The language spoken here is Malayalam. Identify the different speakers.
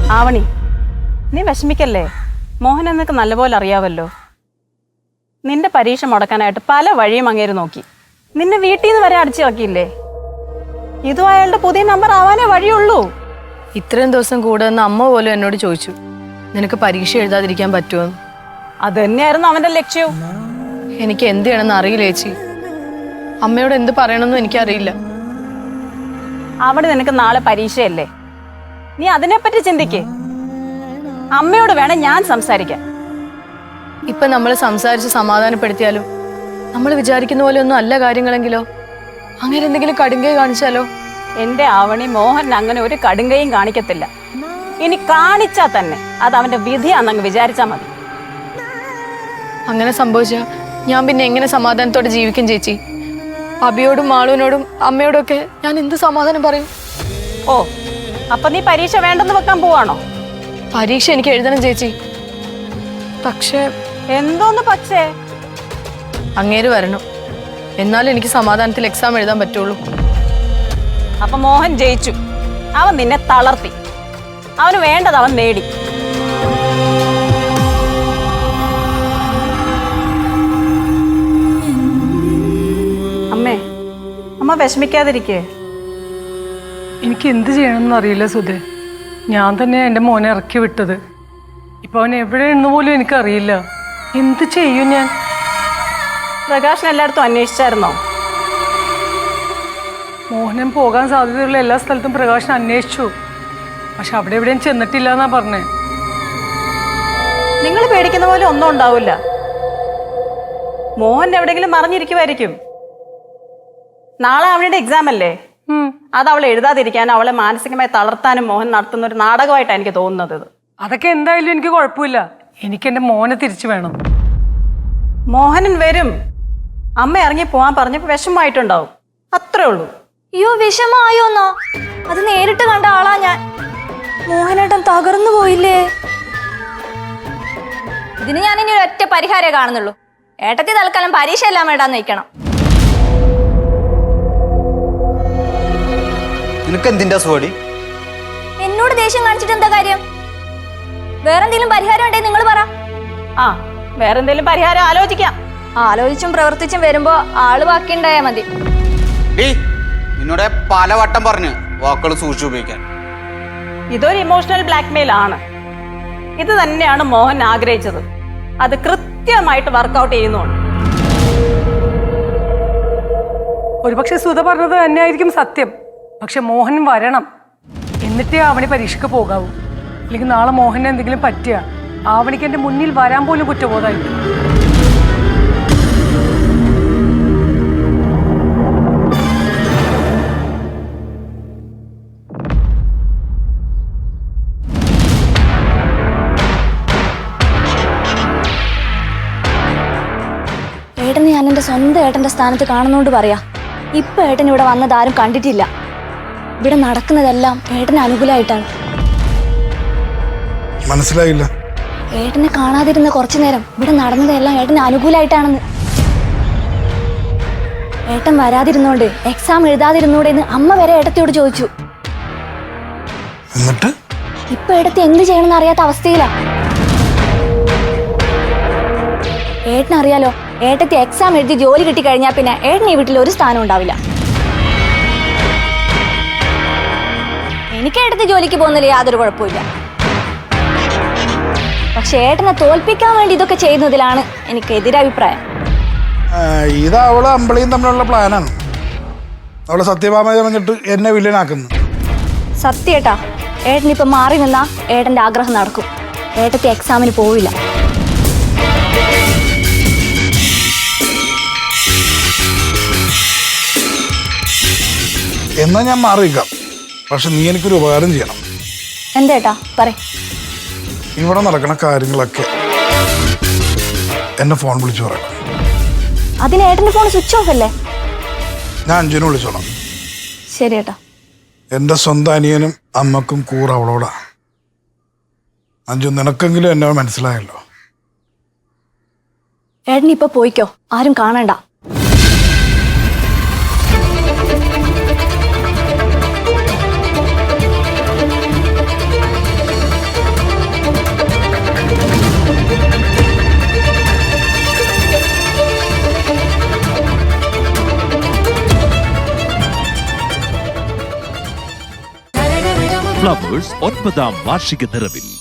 Speaker 1: ആവണി, നീ വിഷമിക്കല്ലേ. മോഹൻ എന്നൊക്കെ നല്ലപോലെ അറിയാവല്ലോ. നിന്റെ പരീക്ഷ മുടക്കാനായിട്ട് പല വഴിയും അങ്ങേര് നോക്കി. നിന്നെ വീട്ടിൽ നിന്ന് വരെ അടിച്ചിറക്കിയില്ലേ. ഇതും അയാളുടെ പുതിയ നമ്പർ ആവാനേ വഴിയുള്ളൂ.
Speaker 2: ഇത്രയും ദിവസം കൂടെ നിന്ന് അമ്മ പോലും എന്നോട് ചോദിച്ചു, നിനക്ക് പരീക്ഷ എഴുതാതിരിക്കാൻ പറ്റുമോ?
Speaker 1: അത് തന്നെയായിരുന്നു അവന്റെ ലക്ഷ്യവും.
Speaker 2: എനിക്ക് എന്ത് ചെയ്യണമെന്ന് അറിയില്ല ചേച്ചി. അമ്മയോട് എന്ത് പറയണമെന്നും എനിക്കറിയില്ല.
Speaker 1: അവിടെ നിനക്ക് നാളെ പരീക്ഷയല്ലേ, നീ അതിനെപ്പറ്റി ചിന്തിക്കേ. അമ്മയോട് വേണം ഞാൻ സംസാരിക്കാൻ.
Speaker 2: ഇപ്പൊ നമ്മൾ സംസാരിച്ച് സമാധാനപ്പെടുത്തിയാലും നമ്മൾ വിചാരിക്കുന്ന പോലെ ഒന്നും അല്ല കാര്യങ്ങളെങ്കിലോ, അങ്ങനെ എന്തെങ്കിലും കടുങ്കൈ കാണിച്ചാലോ?
Speaker 1: എന്റെ ആവണി, മോഹൻ അങ്ങനെ ഒരു കടുങ്കയും കാണിക്കത്തില്ല. ഇനി കാണിച്ചാ തന്നെ അത് അവന്റെ വിധിയാണെന്നങ്ങ് വിചാരിച്ചാ മതി.
Speaker 2: അങ്ങനെ സംഭവിച്ചാ ഞാൻ പിന്നെ എങ്ങനെ സമാധാനത്തോടെ ജീവിക്കും ചേച്ചി? അബിയോടും മാളുവിനോടും അമ്മയോടും ഒക്കെ ഞാൻ എന്ത് സമാധാനം പറയും?
Speaker 1: ഓ, അപ്പൊ നീ പരീക്ഷ വേണ്ടെന്ന് വെക്കാൻ പോവാണോ?
Speaker 2: പരീക്ഷ എനിക്ക് എഴുതണം ചേച്ചി. പക്ഷേ
Speaker 1: എന്തോന്ന് പക്ഷേ?
Speaker 2: അങ്ങേര് വരണം, എന്നാലും എനിക്ക് സമാധാനത്തിൽ എക്സാം എഴുതാൻ പറ്റുള്ളൂ.
Speaker 1: അപ്പൊ മോഹൻ ജയിച്ചു. അവൻ നിന്നെ തളർത്തി. അവന് വേണ്ടത് അവൻ നേടി. അമ്മേ, അമ്മ വിഷമിക്കാതിരിക്കേ.
Speaker 3: എനിക്ക് എന്ത് ചെയ്യണമെന്ന് അറിയില്ല സുധേ. ഞാൻ തന്നെ എൻ്റെ മോനെ ഇറക്കി വിട്ടത്. ഇപ്പൊ അവൻ എവിടെയെന്ന് പോലും എനിക്കറിയില്ല. എന്ത് ചെയ്യും ഞാൻ?
Speaker 1: പ്രകാശൻ എല്ലായിടത്തും അന്വേഷിച്ചായിരുന്നോ?
Speaker 3: മോഹനൻ പോകാൻ സാധ്യതയുള്ള എല്ലാ സ്ഥലത്തും പ്രകാശൻ അന്വേഷിച്ചു. പക്ഷെ അവിടെ എവിടെയും ചെന്നിട്ടില്ല എന്നാ പറഞ്ഞേ.
Speaker 1: നിങ്ങൾ പേടിക്കുന്ന പോലെ ഒന്നും ഉണ്ടാവില്ല. മോഹൻ എവിടെയെങ്കിലും മറിഞ്ഞിരിക്കുമായിരിക്കും. നാളെ അവളുടെ എക്സാം അല്ലേ? അത് അവൾ എഴുതാതിരിക്കാനും അവളെ മാനസികമായി തളർത്താനും മോഹൻ നടത്തുന്ന ഒരു നാടകമായിട്ടാണ് എനിക്ക് തോന്നുന്നത്.
Speaker 3: അതൊക്കെ എന്തായാലും എനിക്ക് കുഴപ്പമില്ല. എനിക്ക് എൻ്റെ മോനെ തിരിച്ചു വേണം.
Speaker 1: മോഹനൻ വരും. അമ്മ ഇറങ്ങി പോവാൻ പറഞ്ഞപ്പോ വിഷമമായിട്ടുണ്ടാവും, അത്രേ ഉള്ളൂ.
Speaker 4: അയ്യോ, വിഷമായോന്നാ? അത് നേരിട്ട് കണ്ട ആളാ ഞാൻ. മോഹനേട്ടൻ തകർന്നു പോയില്ലേ? ഇതിന് ഞാൻ ഇനി ഒരൊറ്റ പരിഹാരമേ കാണുന്നുള്ളൂ. ഏട്ടത്തി തൽക്കാലം പരീക്ഷ എല്ലാം വേണ്ടാന്ന് വെക്കണം. എന്നോട് ദേഷ്യം കാണിച്ചിട്ട് എന്താ കാര്യം? വേറെന്തെങ്കിലും പരിഹാരം ഉണ്ടെങ്കിൽ നിങ്ങൾ പറ.
Speaker 1: ആ, വേറെന്തെങ്കിലും പരിഹാരം ആലോചിക്കാം.
Speaker 4: ആലോചിച്ചും പ്രവർത്തിച്ചും വരുമ്പോ ആള് ബാക്കിയുണ്ടായാ മതി.
Speaker 5: നിന്നോട് പലവട്ടം പറഞ്ഞു വാക്കുകൾ സൂക്ഷിച്ചു ഉപയോഗിക്കാൻ.
Speaker 1: ഇതൊരു ഇമോഷണൽ ബ്ലാക്ക്മെയിൽ ആണ്. ഇത് തന്നെയാണ് മോഹൻ ആഗ്രഹിച്ചത്. അത് കൃത്യമായിട്ട് വർക്കൗട്ട് ചെയ്യുന്നുണ്ട്.
Speaker 3: ഒരുപക്ഷെ സുധ പറഞ്ഞത് തന്നെയായിരിക്കും സത്യം. പക്ഷെ മോഹൻ വരണം, എന്നിട്ടേ ആവണി പരീക്ഷയ്ക്ക് പോകാവൂ. അല്ലെങ്കിൽ നാളെ മോഹന് എന്തെങ്കിലും പറ്റിയ ആവണിക്ക് എൻ്റെ മുന്നിൽ വരാൻ പോലും കുറ്റബോധമായിരിക്കും.
Speaker 4: ഏട്ടനെ ഞാൻ എൻ്റെ സ്വന്തം ഏട്ടൻ്റെ സ്ഥാനത്ത് കാണുന്നോണ്ട് പറയാ. ഇപ്പൊ ഏട്ടൻ ഇവിടെ വന്നത് ആരും കണ്ടിട്ടില്ല. ഇവിടെ നടക്കുന്നതെല്ലാം ഏട്ടന് അനുകൂലമായിട്ടാണ്.
Speaker 6: മനസ്സിലായില്ല.
Speaker 4: ഏട്ടനെ കാണാതിരുന്ന കുറച്ചു നേരം ഇവിടെ നടന്നതെല്ലാം ഏട്ടന് അനുകൂലമായിട്ടാണെന്ന്. ഏട്ടൻ വരാതിരുന്നോണ്ട് എക്സാം എഴുതാതിരുന്നോടെ എന്ന് അമ്മ വരെ ഏട്ടത്തിയോട് ചോദിച്ചു.
Speaker 6: എന്നിട്ട്
Speaker 4: ഇപ്പൊ ഏട്ടത്തി എന്ത് ചെയ്യണമെന്ന് അറിയാത്ത അവസ്ഥയിലാ. ഏട്ടനറിയാലോ, ഏട്ടത്തി എക്സാം എഴുതി ജോലി കിട്ടിക്കഴിഞ്ഞാൽ പിന്നെ ഏട്ടന് ഈ വീട്ടിൽ ഒരു സ്ഥാനം ഉണ്ടാവില്ല. എനിക്ക് ഏട്ടത്തി ജോലിക്ക് പോകുന്നതിൽ യാതൊരു കുഴപ്പമില്ല. പക്ഷെ ഏട്ടനെ തോൽപ്പിക്കാൻ വേണ്ടി ഇതൊക്കെ ചെയ്യുന്നതിലാണ് എനിക്ക് എതിരഭിപ്രായം.
Speaker 6: ഇത് അവള് അമ്പളിയും തമ്മിലുള്ള പ്ലാനാണ്. അവളെ സത്യഭാമ പറഞ്ഞിട്ട് എന്നെ വില്ലനാക്കുന്നു.
Speaker 4: സത്യേട്ടാ, ഏട്ടനിപ്പൊ മാറി നിന്നാ ഏട്ടന്റെ ആഗ്രഹം നടക്കും. ഏട്ടത്തി എക്സാമിന് പോവില്ല.
Speaker 6: എന്നാ ഞാൻ മാറിയിരിക്കാം. പക്ഷെ നീ എനിക്കൊരു ഉപകാരം ചെയ്യണം.
Speaker 4: എന്തേട്ടാ പറ.
Speaker 6: ഇവിടെ നടക്കുന്ന കാര്യങ്ങളൊക്കെ എന്നെ ഫോൺ വിളിച്ചു പറയണം.
Speaker 4: അതിന് ഏട്ടന്റെ ഫോൺ സ്വിച്ച് ഓഫ് അല്ലേ?
Speaker 6: ഞാൻ അഞ്ജുനെ വിളിച്ചോളാം.
Speaker 4: ശരി ഏട്ടാ.
Speaker 6: എൻ്റെ സ്വന്തം അനിയനും അമ്മക്കും കൂറ അവളോടാ. അഞ്ജു, നിനക്കെങ്കിലും എന്നെ മനസ്സിലായല്ലോ.
Speaker 4: ഏട്ടൻ ഇപ്പൊ പോയിക്കോ, ആരും കാണണ്ട.
Speaker 7: ഫ്ലവേഴ്സ് 9ാം വാർഷിക നിറവിൽ